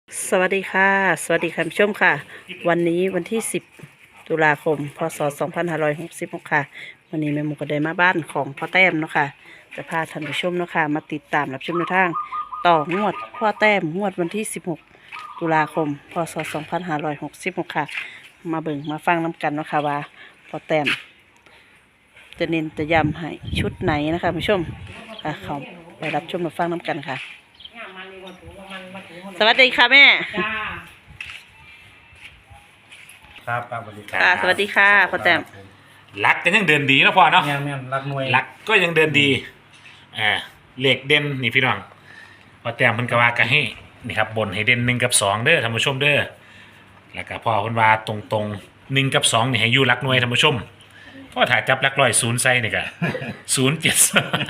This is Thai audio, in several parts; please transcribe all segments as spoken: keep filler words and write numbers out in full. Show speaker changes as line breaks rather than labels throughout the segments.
สวัสดีค่ะสวัสดีคุณผู้ชมค่ะวันนี้วันที่สิบตุลาคมพศสองพันห้าร้อยหกสิบหกค่ะวันนี้แม่หมูก็ได้มาบ้านของพ่อแต้มเนาะค่ะจะพาท่านผู้ชมเนาะค่ะมาติดตามรับชมแนวทางต่องวดพ่อแต้มงวดวันที่สิบหกตุลาคมพศสองพันห้าร้อยหกสิบหกค่ะมาเบิ่งมาฟังน้กันเนาะค่ะว่าพ่อแต้มจะเน้นจะย้ำให้ชุดไหนนะคะผู้ชมค่ะเขาไปรับชมมาฟังน้กันค่ะสวัสดีค่ะแม่
จ้า
ครับครับสวัสดีครั
ค่ะสวัสดีค่ะพ่อแต้ม
ลักก็ยังเดินดีนะพ่อเนาะ
แม่นแม่นรักหน่วย
ลักก็ยังเดินดีอ่าเหล็กเด่นนี่พี่น้องพอแต้มเพิ่นก็ว่าก็ให้นี่ครับบนให้เด่นหนึ่งกับสองเด้อท่านผู้ชมเด้อแล้วก็พ่อเพิ่นว่าตรงตรงหนึ่งกับสองนี่ให้อยู่ลักหน่วยท่านผู้ชมพ่อถ่ายจับลักร้อยศูนย์ใส่นี่ก็ศูนย์เจ็ด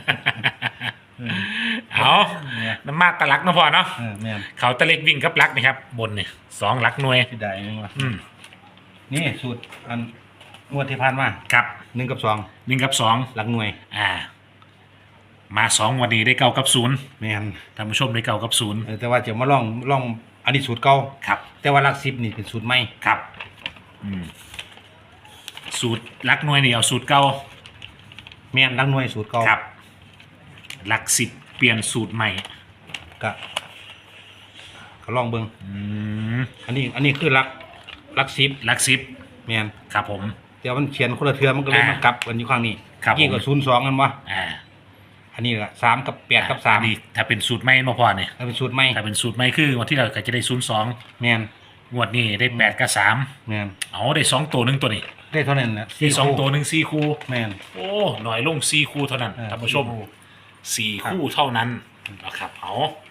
เอาน้ำมากตะลักเนาะพ่อเนาะ
เออแม่น
เขาตะเล็กวิ่งกับลักนี่ครับบนนี่สองลักหน่วย
ที่ใดนี่วะ
อืม
นี่สูตรอันงวดที่ผ่านมา
ครับ
หนึ่งกับสอง
หนึ่งกับสอง
รักหน่วย
อ่า มาสองวันนี้ได้เก้ากับศูนย์
แม่น
ท่านผู้ชมได้เก้ากับศูนย์
เออแต่ว่าจะมาลองลองอันนี้สูตรเก่า
ครับ
แต่ว่ารักสิบนี่เป็นสูตรใหม่
ครับอืมสูตรลักหน่วยนี่เอาสูตรเก่า
แม่นรักหน่วยสูตรเก่า
ครับหลักสิบเปลี่ยนสูตรใหม่
ก็ก็ลองเบิ่ง
อืม
อันนี้อันนี้คือรักรักสิบ
หลักสิบ
แม่น
ครับผม
แต่ว่ามันเขียนคนละเทือมันก็เลย
อ่าม
มากลับกันอยู่ข้างนี้
ครับ
ยี่กับศูนย์สองกันวะ
อ่า
อันนี้ละสามกับแปดกับสาม
อันนี้ถ้าเป็นสูตรใหม่มาพอเนี่ย
ถ้าเป็นสูตรใหม่
ถ้าเป็นสูตรใหม่คือวันที่เราก็จะได้ศูนย์สอง
แม่น
งวดนี้ได้แปดกับสาม
แม่น
เอาได้สองตัวหนึ่งตัวนี้
ได้เท่านั้นนะ
ได้สอง
คู่
ตัวหนึ่งสี่คู่
แม่น
โอ้หน่อยลงสี่คู่เท่านั้น
เออ
ท่านผู้ชม
สี่คู่
สี่คู่เท่านั้นนะครับเอา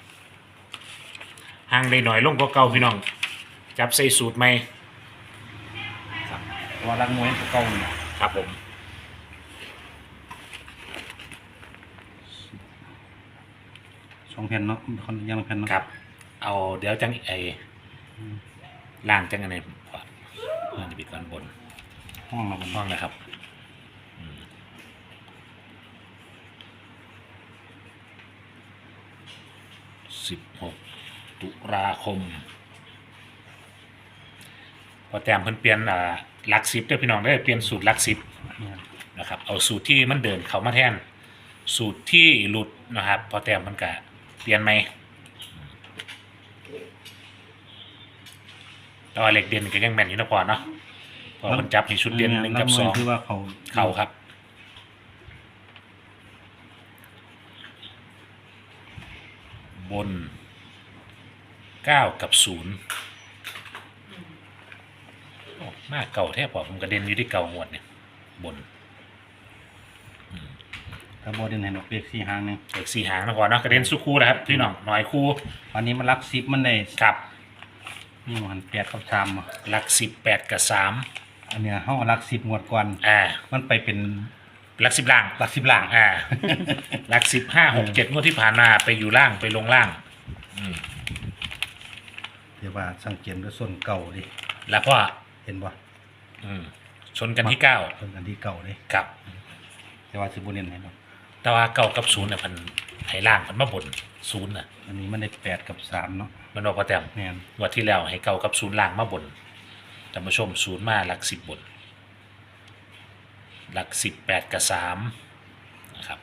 ห่างได้หน่อยลงก็เก่าพี่น้อง จับใส่สูตรใหม่
เพราะว่ารักหน่วยตัวเก่านี่
ครับผม
สองแผ่นเนาะคนยังละแผ่นเนาะ
ครับ เอาเดี๋ยวจังไอล่างจังอันไหนก่อนล่างจะปิดก่อนบน
ห้องเราบน
ห้องนะครับสิบหกตุลาคม พอแต้มเพิ่นเปลี่ยนอ่าหลักสิบเด้อพี่น้องได้อเปลี่ยนสูตรหลักสิบ
เนี่ย
นะครับเอาสูตรที่มันเดินเข้ามาแทน สูตรที่หลุดนะครับ พอแต้มมันก็เปลี่ยนใหม่แต่ว่าเหล็กเด่นก็ยังแม่นอยู่นะพอเนาะเพอมันจับในชุดเด่นหนึ่งกับสอง
คือว่าเขา
เข่าครับ บนเก้ากับศูนย์โอ้มากเก่าแทบพอผมกระเด็นอยู่ที่เก่าหมดเนี่ยบน
ถ้าบอดินเห็นออกเรียกสี่หางหนึง
เอกสี่หางนะก่อนเนาะกระเด็นสู้คู่นะครับพี่น้องหน่อยคู่
วันนี้มันรักสิบมันได้
ครับ
นี่มันแปดกับสามอ่ะ
หลักสิบแปดกับสาม
อันเนี้ยห้องรักสิบงวดก่อน
อ่า
มันไปเป็น
หลักสิบล่าง
รักสิบล่าง
อ่า หลักสิบห้าหกเจ็ดงวดที่ผ่านมาไปอยู่ล่างไปลงล่าง อืม
เดี๋ยวว่าสังเกตด้วยส่วนเก่าดิ
แล้วพ่อ
เห็นบ่
อืมชนกันที่เก้า
ส่วนอันที่เก่าดิ
กับ
แต่ว่าสิบุเนนเห็นบ่
แต่ว่าเก้ากับศูนย์เนี่ยพันให้ล่างพันมาบนศูนย์น่ะ
อันนี้มันได้แปดกับสามเนาะ
มันบอกพอแต้ม
แม่น
งวดที่แล้วให้เก้ากับศูนย์ล่างมาบนท่านผู้ชมศูนย์มาหลักสิบบน หลักสิบแปดกับสามนะครับ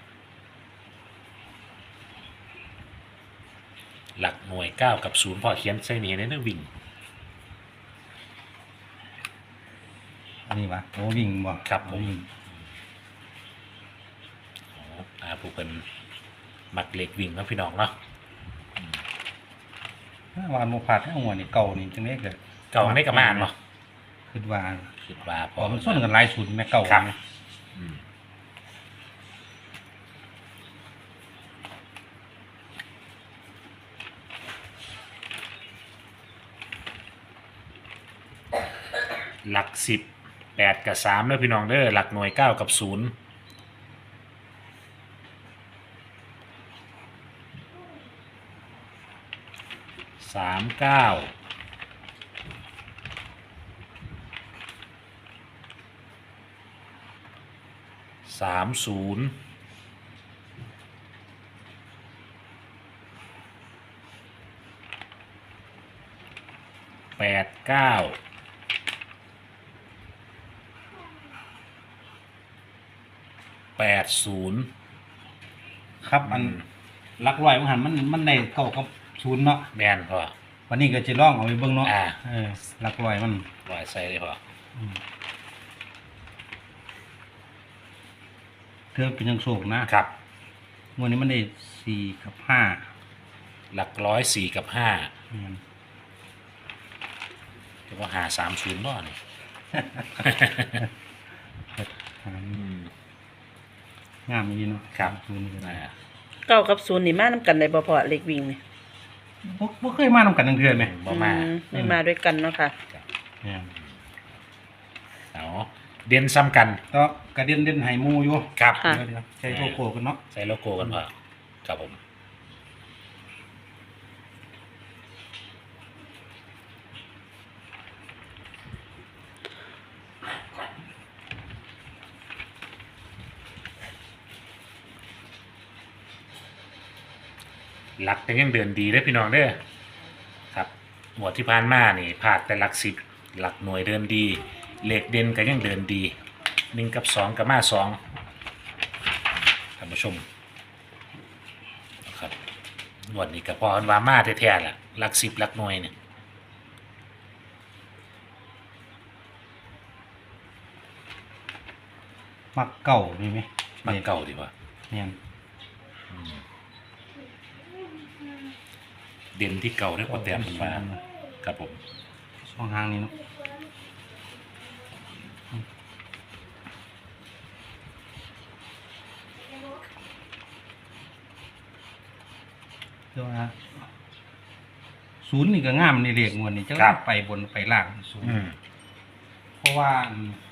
หลักหน่วยเก้ากับศูนย์พอเขียนใส่นี้ในนั้นวิ่ง
อันนี้วะโอ้วิ่งบ่
ครับผม
วิ่ง
อ๋ออ่าผู้เป็นมักเหล็กวิ่งเนาะพี่น้องเนาะ
ถ้าวานโมพาดให้หัวนี่เก่านี่จังได๋ก็
เก่าไม่กับมานเนาะ
คิดว่า
คิดว่าพ
พ
อ
อมันส้นกันหลายศูนย์แม่เก่า
ครับ
เนี่ย
อืมหลักสิบแปดกับสามเด้อพี่น้องเด้อหลักหน่วยเก้ากับศูนย์สามเก้าสามศูนย์แปดเก้าแปดศูนย์
ครับอันหลักร้อยมันหันมันมันได้เก้ากับศูนย์เนาะ
แมนพอ
วันนี้ก็จะลองเอาไปเบิ่งเนาะ
อ่า
เออหลักร้อยมัน
ลอยใส่เลยพอ
อืมเธอเป็นยังโศกนะครับ งวดนี้มันได้สี่กับห้า
หลักร้อยสี่กับห้า
อืม
เดี๋ยวว่าหาสามศูนย์บ่เนี่ย
งามดีเนาะ
ครับ
ศูนย์นี่ก็ได้
อ่า
เก้ากับศูนย์นี่มานํกันได้บ่พอเลขวิ่งนี่
บ่บ่เคยมานำกันทั้งเทื่อไหม
บ่มา
อืไม่มาด้วยกันเนาะค่ะ
เนี่ย
เอาเด่นซ้ำกัน
ก็กระเด็นเด่นไห้หมูอยู่
ครับ
ค่ะ
เดี๋ยวเดี๋ยวใช้โลโก้กันเนาะ
ใส่โลโก้กันพอครับผมหลักแต่ยังเดินดีเด้อพี่น้องเด้อครับหัวดที่ผ่านมานี่พลาดแต่หลักสิบหลักหน่วยเดินดีเลขเด่นก็ยังเดินดีหนึ่งกับสองกับมาสองท่านผู้ชมนะครับหวดนี้ก็พอกันว่ามาแท้ๆแหละหลักสิบหลักหน่วยเนี่ย
มักเก่ามีไหม
มันเก่าดีกว่า
เนี่ย
เด่นที่เก่าได้พอแต้มมันมาครับผม
ช่องทางนี้เนาะเดี๋ยวนะศูนย์นี่ก็งามในเลขงวดนี่จะไปบนไปล่างศูนย์
อืม
เพราะว่าอืม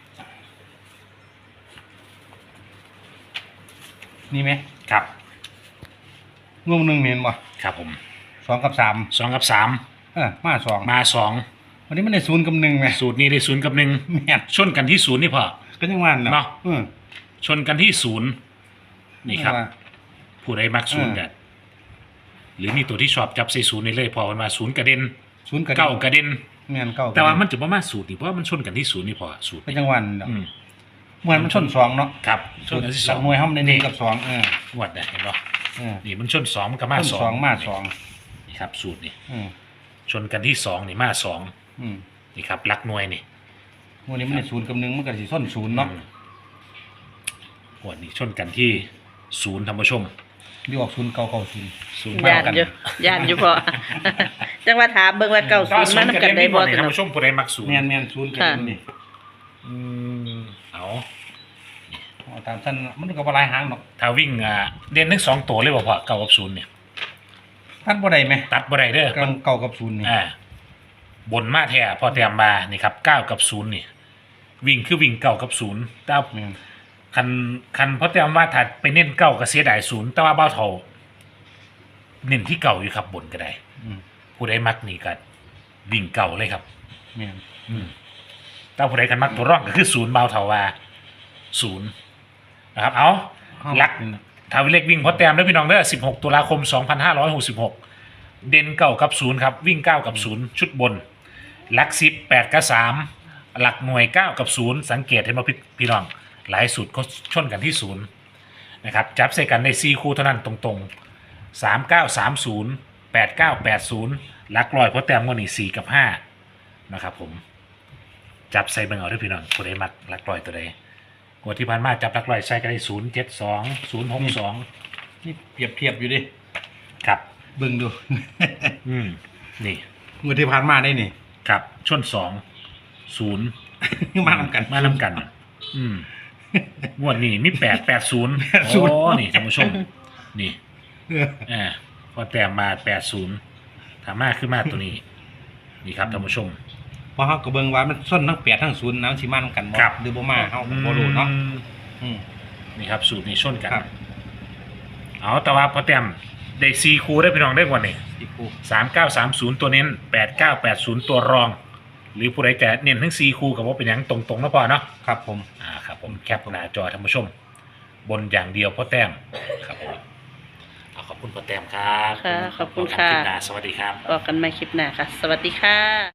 นี่ไหม
ครับ
งวดหนึ่งเมนบ่
ครับผม
สองกับสาม
สองกับสาม
เออมาสอง
มาสอง
วันนี้มันได้ศูนย์กับหนึ่งไหม
สูตรนี้ได้ศูนย์กับหนึ่ง
แม่น
ชนกันที่ศูนย์นี่พอ
ก็ยังว่า
เนาะ
เนาะเออ
ชนกันที่ศูนย์นี่ครับ
ว่า
ผู้ใดมักศูนย์กันหรือมีตัวที่ชอบจับใส่ศูนย์นี่เลยพอมันมาศูนย์กระเด็น
ศูนย์กับ
เก้ากระเด็น
แม่นเก้า
แต่ว่ามันจะประมาณสูตรนี่เพราะว่ามันชนกันที่ศูนย์นี่พอสูตร
ก็
นี่
ยังวันเนาะ
อืม
เหมือนมันชนสองเนาะ
ครับชนกันที่สอง
หน่วยห้องในหนึ่งกับสองเออ
งวดนะเห็นป่ะ
เออ
นี่มันชนสองมันก็มา
ชน
สอง
สองมาสอง
นี่ครับสูตรนี่
เออ
ชนกันที่สองนี่มาสอง
อืม
นี่ครับหลักหน่วยนี่
วันนี้มันได้ศูนย์กับหนึ่งมันก็สิส้นศูนย์เนาะ
อืมงวดนี้ชนกันที่ศูนย์ธรรมชม
ดีออกศูนย์เก้าเก้าศูนย์
ศูนย์
ย่านอยู่ย่านอยู่พอ จังว่าถามเบิ่งว่าเก้าศูนย์มานํกันได้บ่
นี่
ซั่น
ธรรม
เนาะ
ชมผู้ใดมักศูนย์
แม่นแม่นศูนย์กับ
ค่ะ
หนึ่งนี่
อืมเอา
เอาตามสั้นมันก็บ่หลายหางเนาะ
ถ้าวิ่งอ่าเด่นทั้งสองตัวเลยบ่พอเก้ากับศูนย์เนี่ย
ท่านบ่ได้ไหม
ตัดบ่ได้เด้อ
กำลังเก้ากับศูนย์นี่
อ่าบนมาแท้พอแต้มมานี่ครับเก้ากับศูนย์นี่ วิ่งคือวิ่งเก้ากับศูนย์แต่
แม่น
คันคันพอแต้มว่าถ้าไปเน้นเก้าก็เสียดายศูนย์แต่ว่าเบ้าเท่าเน้นที่เก่าอยู่ครับบนก็ได้
อืม
ผู้ใดมักนี่ก็วิ่งเก่าเลยครับ
แม่น
อืมแต่ผู้ใดกันมักตัวร่องก็คือศูนย์เบาเท่าว่าศูนย์นะครับ เอาลัก
นี่นะ
ทาวิเล็กวิ่งพอแต้มด้วยพี่น้องเด้อสิบหกตุลาคมสองพันห้าร้อยหกสิบหกเด่นเก้ากับศูนย์ครับ วิ่งเก้ากับศูนย์ชุดบนลักสิบแปดกับสามหลักหน่วยเก้ากับศูนย์สังเกตเห็นไหมพี่พี่น้อง หลายสุดก็ชนกันที่ศูนย์นะครับ จับใส่กันในซีคู่เท่านั้นตรงๆสามเก้าสามศูนย์แปดเก้าแปดศูนย์ลักลอยพอแต้มก็นี่สี่กับห้านะครับผม จับใส่เบิ่งเอาด้วยพี่น้องผู้ใดมักลักลอยตัวใดงวดที่ผ่านมาจับลักลอยใส่กันได้ศูนย์เจ็ดสองศูนย์หกสอง
นี่เปรียบเทียบอยู่ดิ
ครับ
เบิ่งดู
อืมนี่
งวดที่ผ่านมาได้นี่
ครับชนสองศูนย์
มานำกัน
มานำกัน อืมงวดนี้มีแปดแปดศูนย์
แปดศู
โอ้
นย์
นี่ท่านผู้ชม นี่
เออ
อ่าพอแต้มมาแปดศูนย์ถามมาขึ้นมาตัวนี้ นี่ครับท่านผู้ชม
เพราะเฮาก็เบิ่งว่ามันส้นทั้งแปดทั้งศูนย์นะมันสิมานำกันบ่
ครับ
หรือบ่มาเฮาก็บ่รู้เนาะ
อืม
อืม
นี่ครับ สูตรนี้ชนกัน
ครับ
เอาแต่ว่าพอแต้มได้ซีคูได้พี่น้องได้กว่านี่
อีกคู่
สามเก้าสามศูนย์ตัวเน้นแปดเก้าแปดศูนย์ตัวรอง หรือผู้ใดจะเน้นทั้งซีคูกับว่าเป็นอย่างตรงๆนะพอเนาะ
ครับผม
อ่าครับผมแคปหน้าจอท่านผู้ชม บนอย่างเดียวพ่อแต้มครับผมเอาขอบคุณพ่อแต้มครับ
ค่ะขอบคุณ
พบกัน
ค่ะ
ลิปหน้าสวัสดีครับ
บอกกันใหม่คลิปหน้าค่ะ สวัสดีค่ะ